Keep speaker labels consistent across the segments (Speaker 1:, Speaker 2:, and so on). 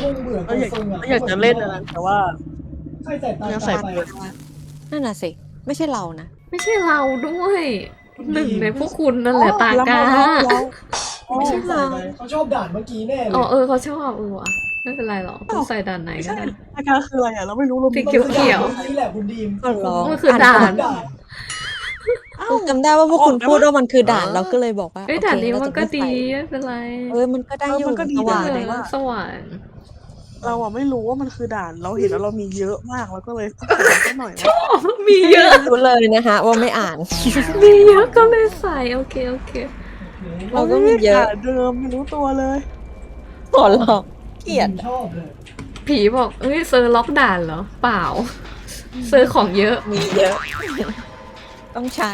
Speaker 1: คงเบื่อ
Speaker 2: เราอยาก
Speaker 1: ทรงอะ
Speaker 2: เราอยากจะเล่นนะแต่ว่า
Speaker 1: ใครใส่ตา
Speaker 2: ยังใส่
Speaker 1: ไป
Speaker 2: เปิด
Speaker 3: นั่นน่ะสิไม่ใช่เรานะ
Speaker 4: ไม่ใช่เราด้วยหนึ่งในพวกคุณนั่นแหละตากา
Speaker 1: ไม่ใช่เราเขาชอบด่านเมื่อกี้แน่เลย
Speaker 4: อ๋อเขาชอบว่ะไม่เป็นไรหรอกคุณใส่ด่านไหน
Speaker 2: ไม่
Speaker 4: ก็
Speaker 2: ใช่
Speaker 4: ได้
Speaker 2: อาการคืออะไรอ่ะเราไม่รู้เรา
Speaker 4: สีเขียว
Speaker 1: มันคือด่านเมื่อกี้แหละคุณดีม
Speaker 3: ก็ร้อง
Speaker 4: มันคือด่าน
Speaker 1: ด่าน
Speaker 3: จำได้ว่าพวกคุณพูดว่ามันคือด่านเราก็เลยบอกว่า
Speaker 4: เอ้ย
Speaker 3: โอเค
Speaker 4: ด่านนี้
Speaker 3: เรา
Speaker 4: มั
Speaker 3: จะ
Speaker 4: นก็
Speaker 3: ไม่
Speaker 4: ดี
Speaker 3: ใส่
Speaker 4: ไม่เป็นไร
Speaker 3: มันก็ได้อยู่
Speaker 2: มันก็ดี
Speaker 3: สว่าง
Speaker 2: แต่
Speaker 3: เลย
Speaker 2: ว่า
Speaker 4: สว่าง
Speaker 2: เราอ่ะไม่รู้ว่ามันคือด่านเราเห็นแล้วเรามีเยอะมากแล้วก็เลยต้องใส่แค่หน่อยนะ
Speaker 4: มีเยอะ
Speaker 3: รู้เลยนะคะว่าไม่อ่าน
Speaker 4: มีเยอะก็เลยใส่โอเค
Speaker 3: เราก็มีเยอะ
Speaker 2: ด่านเดิมไม่รู้ตัวเลย
Speaker 3: ขอลองเกลียด
Speaker 1: ชอบเลย
Speaker 4: ผีบอกเอ้ยเซอร์ล็อกด่านเหรอเปล่า เซอร์ของเยอะ
Speaker 3: มีเยอะ ต้องใช้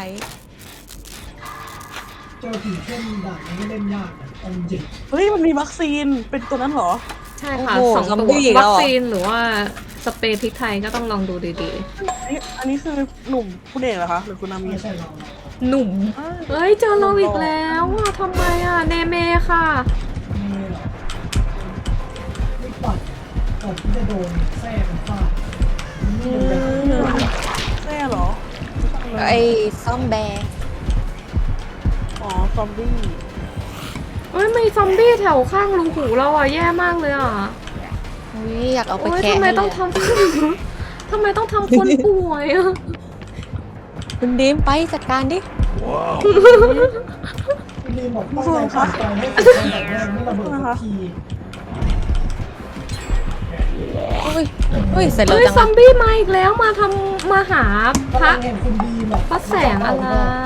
Speaker 1: เจอผีเข้มด่านนี้ไม่เล่นยากนะเอาจริง
Speaker 2: เฮ้ยมันมีวัคซีนเป็นตัวนั้นเหรอ
Speaker 4: ใช่ค่ะ
Speaker 3: โอ้โห
Speaker 4: สอง
Speaker 3: ซอม
Speaker 4: ตัว
Speaker 3: บี้อีกแล้
Speaker 4: วั
Speaker 3: ว
Speaker 4: ค
Speaker 3: เหรอ
Speaker 4: ซีนหรือว่าสเปรย์พริกไทยก็ต้องลองดูดี
Speaker 2: อันนี้คือหนุ่มคุณเอกเหรอคะหรือคุณนามี
Speaker 1: ไม่ใช่เรา
Speaker 4: ๆ หนุ่ม เฮ้ยเจอเราอีกแล้วอ่ะทำไมอ่ะเนเมค่ะ
Speaker 1: ไม่หรอกไม่ปัดก่อนที่จะโดนแทรกมันฟาดนี่มันเป็น
Speaker 2: แน่เหรอ
Speaker 3: ไอ้ซ่อมแบร์
Speaker 2: อ๋อซอมบี้
Speaker 4: เอ้ยมีซอมบี้แถวข้างรูหูเราอ่ะแย่มากเลยอ่ะ
Speaker 3: อุ๊ยอยากเอาไป
Speaker 4: โอ้ย
Speaker 3: แคะ
Speaker 4: ทำไม
Speaker 3: ให้
Speaker 4: ต้อง
Speaker 3: เลย
Speaker 4: ทำ ทำไมต้องทำคนป่วยอ่ะ
Speaker 3: คุณดีมไปจัดการดิ
Speaker 1: คุณดีมบอกตั้งใจทำใจให้ติดใจแบบแรกไม่ระเบิดสักที
Speaker 3: อุ้ยเสร็จแล้ว
Speaker 4: เฮ้ย
Speaker 3: จัง
Speaker 4: ซอ
Speaker 3: อะ
Speaker 4: มบี้มาอีกแล้วมาหาพระ
Speaker 1: เห็นคุณดีมอะ
Speaker 4: พระแสงอะไร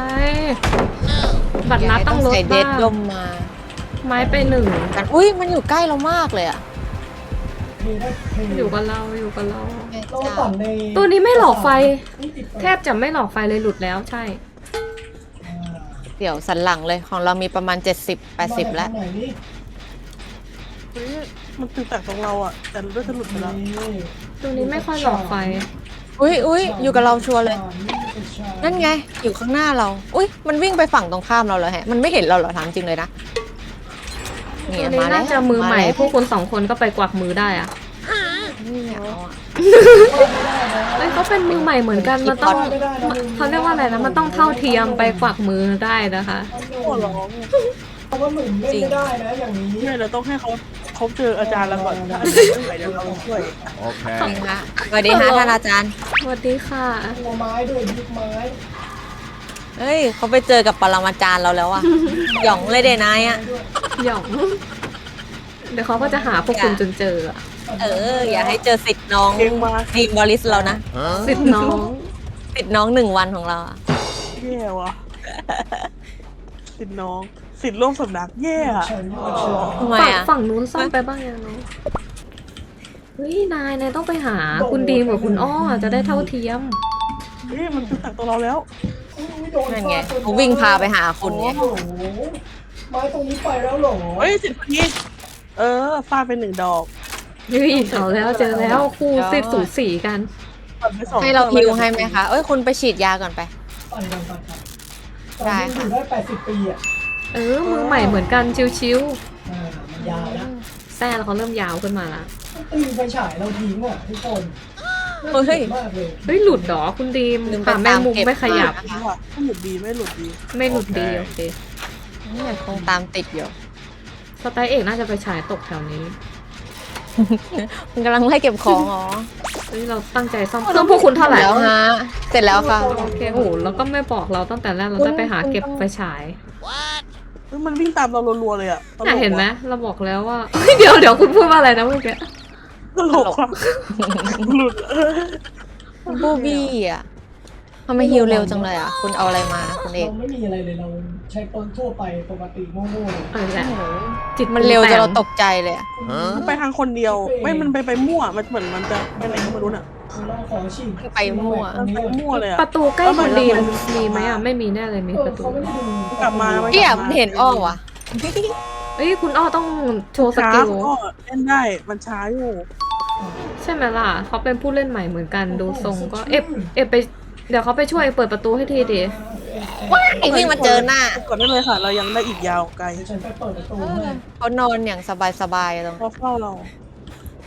Speaker 4: บัตรนัดตั้งรถ
Speaker 3: ใส่เด
Speaker 4: บ้า
Speaker 3: ด
Speaker 4: ง
Speaker 3: ดมมา
Speaker 4: ไม้ไปหนึ่ง
Speaker 3: กันอุ้ยมันอยู่ใกล้เรามากเลยอะ
Speaker 4: อยู่กับเราอยู่กับเรา
Speaker 1: เราปั่นใน
Speaker 4: ตัวนี้ไม่หลอกไฟ แทบจะไม่หลอกไฟเลยหลุดแล้วใช่
Speaker 3: เดี๋ยวสันหลังเลยของเรามีประมาณ 70-80 แล้ว
Speaker 2: เฮ้ยมันตื่นแต่ตรงเราอ่ะแต่เลือดจะหลุดไปแล้ว
Speaker 4: ตัวนี้ไม่ค่อยหลอกไฟ
Speaker 3: อุ้ยอยู่กับเราชัวร์เลย นั่นไง อยู่ข้างหน้าเรา อุ้ยมันวิ่งไปฝั่งตรงข้ามเราเลยฮะ มันไม่เห็นเราเหรอถามจริงเลยนะ
Speaker 4: ตัวนี้น่าจะมือใหม่ พวกคุณ2 คนก็ไปกวักมือได้อะ
Speaker 3: นี่ไงเอาอะ
Speaker 4: เอ้ยเขาเป็นมือใหม่เหมือนกันมันต้องเขาเรียกว่าอะไรนะมันต้องเท่าเทียมไปกวักมือได้นะคะ
Speaker 2: หัวร้อง
Speaker 1: เพราะว่าหนุ่มเล่นไม่ได้นะอย่างนี้
Speaker 2: เนี่ยเราต้องให้เขาเจออาจารย์แล้วก่อนถ้าอาจารย์ไม่ไหวเดี๋ยวเราช่วย
Speaker 3: จริงค่ะสวัสดีค่ะท่านอาจารย์
Speaker 4: สวัสดีค่ะ
Speaker 1: ตัวไม้ด้วยยึดไม้
Speaker 3: เฮ้ยเขาไปเจอกับปรมาจารย์เราแล้วอะหยองเลยเดนายอะ
Speaker 4: หยอง เดี๋ยวเขาก็จะหาพวกคุณจนเจออะ
Speaker 3: อย่าให้เจอสิทธิ์น้อง
Speaker 2: เก่งมาก
Speaker 3: ทีมบริสเรานะ
Speaker 4: สิทธิ์น้อง
Speaker 3: สิทธิ์น้อง1 วันของเราอะ
Speaker 2: แย่ว่ะสิทธิ์น้องสิทธิ์ร่วมสำนักแย่อะ
Speaker 1: ใช่ไหม
Speaker 3: ทำไม
Speaker 4: ฝั่ง
Speaker 3: อะ
Speaker 4: ฝั่งนู้นซ่อมไปบ้างยังเนาะเฮ้ยนายต้องไปหาคุณดีมกับคุณอ้อจะได้เท่าเทียม
Speaker 2: เฮ้ยมันตื่นแต่ตัวเราแล้ว
Speaker 3: นั่นไงเขาวิ่งพาไปหาคุณไง
Speaker 1: โอ้โหไม้ตรงนี้ไปแล้วเหรอ
Speaker 2: เฮ้ยสิทธิ์คนนี้ฟาดไป1 ดอก
Speaker 4: เฮ้ยเอาแล้วเจอแล้วคู่สิทธิ์สูสีกัน
Speaker 2: ปัดไป2
Speaker 3: ให้เราฮิวให้ไหมคะ คุณไปฉีดยาก่อนไป
Speaker 1: ปั่นกันปั่นกัน
Speaker 3: ได้ค่ะ
Speaker 1: อยู่ได้80 ปีอ่ะ
Speaker 4: มือใหม่เหมือนกันชิว
Speaker 1: มันยาวแล้ว
Speaker 4: ๆแซ่แล้วเขาเริ่มยาวขึ้นมาละ
Speaker 1: ตีไฟฉายเราทิ้งอ่ะทุกคน
Speaker 3: เฮ้ย
Speaker 1: มากเลย
Speaker 4: เฮ้ยหลุดเหรอคุณดีม
Speaker 3: ลืมไป
Speaker 4: ขาแมงมุม
Speaker 3: ตามเก็บ
Speaker 4: ไม่ขยับ
Speaker 2: ดีว่ะไม่หลุดดีไม่หลุดดี
Speaker 4: ไม่หลุดดีโอเค
Speaker 3: เนี่ยคงตามติดอยู่
Speaker 4: สไตล์เอกน่าจะไปฉายตกแถวนี้
Speaker 3: มันกำลังไล่เก็บของอ๋อ
Speaker 4: เฮ้ยเราตั้งใจซ่อมเครื่องพวกคุณเท่าไหร่
Speaker 3: แล้วฮะ เสร็จแล้วค่ะ
Speaker 4: โอเคโอ้โหแล้วก็ไม่บอกเราตั้งแต่แรกเราได้ไปหาเก็บไฟฉาย
Speaker 2: เฮ้ยมันวิ่งตามเรารัวๆเลยอะตลก
Speaker 4: น่ะ
Speaker 2: ว่ะ
Speaker 4: เห็นไหมเราบอกแล้วว่า เดี๋ยวคุณพูดว่าอะไรนะเมื่อกี้
Speaker 2: ตลกว่ะหลุด
Speaker 3: บูบี้อ่ะทำไมฮิวเร็วจังเลยอ่ะ คุณเอาอะไรมาคุณเอก
Speaker 1: เราไม่มีอะไรเลยเราใช้ปืนทั่วไปปกติโง่ๆเลย
Speaker 4: เออแหละจิต
Speaker 3: มันเร็วจนเราตกใจเลยอะ
Speaker 2: มันไปทางคนเดียว ไม่มันไปมั่วมันเหมือนมันจะไปไหนก็ไม่รู้น่ะ
Speaker 1: เราขอฉีด
Speaker 3: ไปมั่ว
Speaker 2: มันไปมั่วเลยอะ
Speaker 4: ประตูใกล้คุณดีมมีไหมอ่ะไม่มีแน่เลยมีประตู
Speaker 1: เขาไม่ได้ดู
Speaker 2: กลับมา
Speaker 3: พี่อ่ะมันเห็นอ้อว่ะ
Speaker 4: เอ้ยคุณอ้อต้องโชว์ส
Speaker 2: ช้า
Speaker 4: กิล
Speaker 2: ก็เล่นได้มันช้าอยู่
Speaker 4: ใช่ไหมล่ะเขาเป็นผู้เล่นใหม่เหมือนกันดูทรงก็เอฟไปเดี๋ยวเขาไปช่วยเปิดประตูให้ทีดิ
Speaker 3: ไอ้วิ่งมาเจอหน้า
Speaker 2: ก่อนได้เลยค่ะ เรายังได้อีกยาวไกล
Speaker 1: เดี๋ยวฉันไปเปิดประตูให้
Speaker 3: เขานอนอย่างสบายๆตรง
Speaker 2: เพราะเฝ้าเรา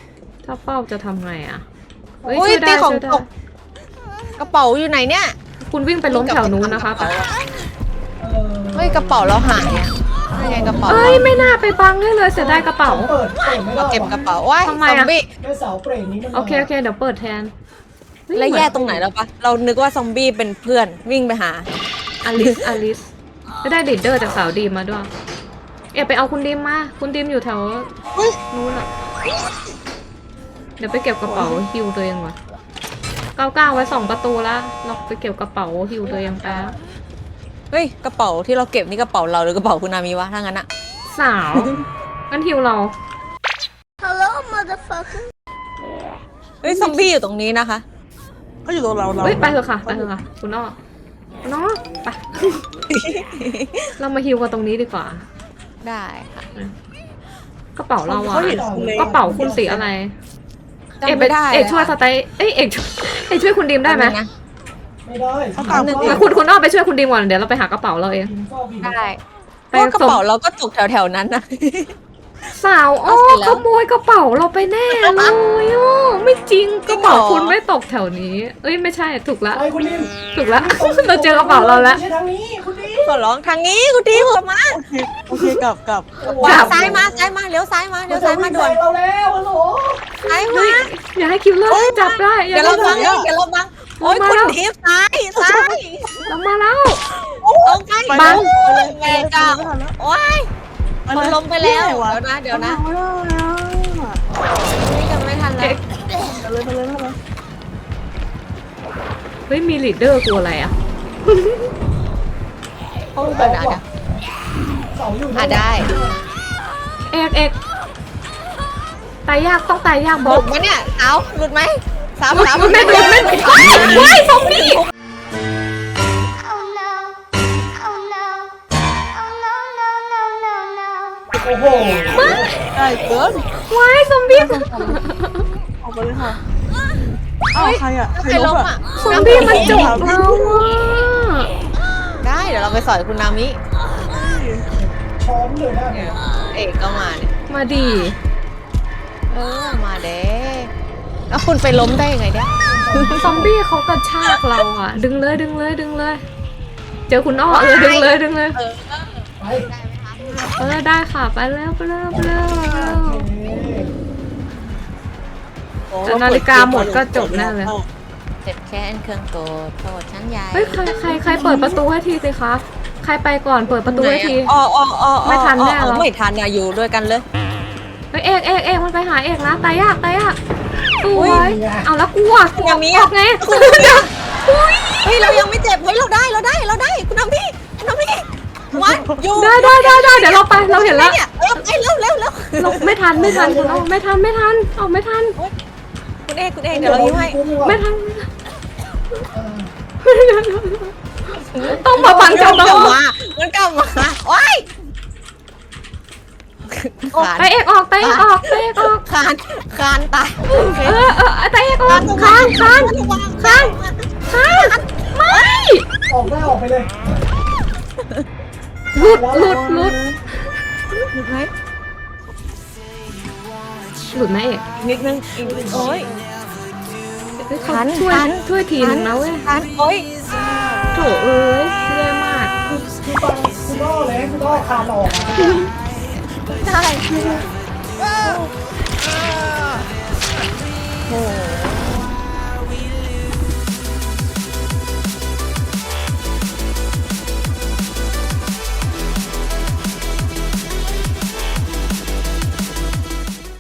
Speaker 4: ถ้าเป้าจะทำไงอะเฮ้ย
Speaker 3: อุ้ย
Speaker 4: ช่วยได้
Speaker 3: ตีของ
Speaker 4: ช่วยได้
Speaker 3: ตกกระเป๋าอยู่ไหนเนี่ย
Speaker 4: คุณวิ่งไปล้มแถวนู้นนะคะ
Speaker 3: เฮ้ยกระเป๋าเราหายอะยังไงกระเป๋า
Speaker 4: เอ้ยไม่น่าไปบังให้เลยเสียดายกระเป๋า
Speaker 1: เปิดไม่ได้
Speaker 3: เราเก็บกระเป๋าว้าย
Speaker 4: ทำไม
Speaker 3: ซอ
Speaker 4: อะ
Speaker 3: มบี้
Speaker 1: ด้วยเสาเปรตนี้มัน
Speaker 4: โอเคโอเคเดี๋ยวเปิดแทนเฮ้ย
Speaker 3: แล้วแย่ตรงไหนแล้วปะเรานึกว่าซอมบี้เป็นเพื่อนวิ่งไปหา
Speaker 4: อลิสไม่ได้ลีดเดอร์จากสาวดีมมาด้วย ไปเอาคุณดีมมา คุณดีมอยู่แถวนู้นอะเดี๋ยวไปเก็บกระเป๋าฮิวตัวเองว่ะ99ไว้2ประตูละเราไปเก็บกระเป๋าฮิวตัวเองแป๊บ
Speaker 3: เฮ้ยกระเป๋าที่เราเก็บนี่กระเป๋าเราหรือกระเป๋าคุณนามีวะถ้างั้นอะ
Speaker 4: สาวงั้นฮิวเรา
Speaker 3: เฮ้ยซอมบี้อยู่ตรงนี้นะคะ
Speaker 2: ก็อยู่ตรงเรา
Speaker 4: เฮ้ยไปเถอะค่ะไปเถอะค่ะคุณอ้อคุณอ้อไป เรามาฮิวกันตรงนี้ดีกว่า
Speaker 3: ได้ค่ะ
Speaker 4: กระเป๋าเราอะ
Speaker 2: เขาเห็นคุณเลย
Speaker 4: กระเป๋าคุณสีอะไร
Speaker 3: จำไม่ได้
Speaker 4: เอกช่วยสไตล์เอกช่วยคุณดีมได้ไหม
Speaker 3: นะ
Speaker 1: ไม่ได้
Speaker 2: เขาตาม
Speaker 4: แล้วคุณอ้อไปช่วยคุณดีมก่อนเดี๋ยวเราไปหากระเป๋าเราเอง
Speaker 3: ได้เพราะว่ากระเป๋าเราก็ตกแถวๆนั้นนะ
Speaker 4: สาวอ้อ
Speaker 3: เอาเสร็จแล้ว
Speaker 4: ขโมยกระเป๋าเราไปแน่เลยอ้อไม่จริงกระเป๋าคุณไม่ตกแถวนี้ เอ้ยไม่ใช่ถูกละ
Speaker 1: ไปคุณดิม
Speaker 4: ถูกละ เราเจอกระเป๋าเราแล้ว
Speaker 1: ไม่ใช่ทางนี้คุณดิม
Speaker 3: ขอร้องทางนี้คุณทีมกลับมา
Speaker 2: โอเคกลับ
Speaker 3: ขวาซ้ายมาซ้ายมาเลี้ยวซ้ายมาเลี้ยวซ้ายมาด่วน
Speaker 1: เราแล้วฮัลโหล
Speaker 3: ซ้ายมา
Speaker 4: อย่าให้คิวเลอร์จับได้อย่า
Speaker 3: เดี๋ยว
Speaker 4: ให้
Speaker 3: เราบังเดี๋ยวเราบังโอ้ยคุณทีมซ้ายซ้าย
Speaker 4: เรามาแล้ว
Speaker 3: ลงไป
Speaker 4: บัง
Speaker 3: แม่เจ้าโอ้ยคนล้มไปแล้วเดี๋ยวนะ
Speaker 2: ไม่ได้อะ
Speaker 3: นี่จะไม่ทันแล้ว
Speaker 2: ไปเลย
Speaker 4: เฮ้ยมีลีดเดอร์กลัวอะไรอ่ะ
Speaker 3: เขาเปิดอ่ะ
Speaker 1: เสาอยู่
Speaker 3: ได้
Speaker 4: เอกตายยากต้องตายยาก
Speaker 3: ห
Speaker 4: บอ
Speaker 3: ลุ
Speaker 4: ส
Speaker 3: ดไหมเนี่ยสาวหลุดไหมสาว
Speaker 4: ไม่หลุดว้ายซอมบี้
Speaker 5: Oh no. Oh no. Oh no, no, no, no, no.
Speaker 1: โอ้โห
Speaker 2: ได้เกิน
Speaker 4: ว้ายซอมบี้
Speaker 2: ออกไปเลยค่ะอ้าวใครอะใคร
Speaker 3: ใคร
Speaker 2: ล
Speaker 3: ล้
Speaker 2: บ
Speaker 3: ม
Speaker 2: อะ
Speaker 3: อ่ะ
Speaker 4: ซอมบี้มันจบเราอ่ะ
Speaker 3: ได้เดี๋ยวเราไปสอยคุณนามิ
Speaker 1: ช้อมเลยนะ
Speaker 3: เอกก็มาเนี่ย
Speaker 4: มาดี
Speaker 3: มาเด้แล้วคุณไปล้มได้ยังไงเนี่ย
Speaker 4: ซอมบี้เขากระชากเราอ่ะ ดึงเลย เจอคุณอ้อดึงเลย
Speaker 1: ไป
Speaker 4: ได้ค่ะไปแล้วแต่นาฬิกาหมดก็จบแน่เลย
Speaker 3: เจ็บแค้นเครื่องโกรธโทษชั้นใหญ่
Speaker 4: เฮ้ยใครเปิดประตูให้ทีสิคะใครไปก่อนเปิดประตูให้ที ไม่ทันแน่หรอ
Speaker 3: ไม่ทันนะอยู่ด้วยกันเลย
Speaker 4: เฮ้ยเอกมันไปหาเอกนะตายยากสวยเอาแล้วกลัว
Speaker 3: นามิ
Speaker 4: ออกไง
Speaker 3: เฮ้ยเรายังไม่เจ็บเฮ้ยเราได้คุณนามิวันอยู่
Speaker 4: ได้เดี๋ยวเราไปเราเห็นแล้ว
Speaker 3: เนี่ยเร็ว
Speaker 4: เราไม่ทันคุณอ้อไม่ทันออกไม่ทัน
Speaker 3: คุณเอกเดี๋ยวเรายิ้มให้
Speaker 4: ไม่ทันต้องมาฟังเจ้า
Speaker 3: มันก
Speaker 4: น้
Speaker 3: ลั
Speaker 4: อบ ง
Speaker 3: มาโอ้ย
Speaker 4: ไปเอกออกคานตาย
Speaker 3: เตะออก
Speaker 4: คานไม่
Speaker 1: ออกได้ออกไปเลย
Speaker 4: หลุด
Speaker 3: หลุดไหม
Speaker 4: หลุดไหมเอก
Speaker 3: นิดนึงโอ้ย ทัน
Speaker 4: ช่วยทีนึงนะเว้ย
Speaker 3: โอ้ย
Speaker 4: โถเอ้ยแย่มาก
Speaker 1: คือฟังคุณอ้อเลยคุณอ้อคานออกอะ
Speaker 3: ได้โอ้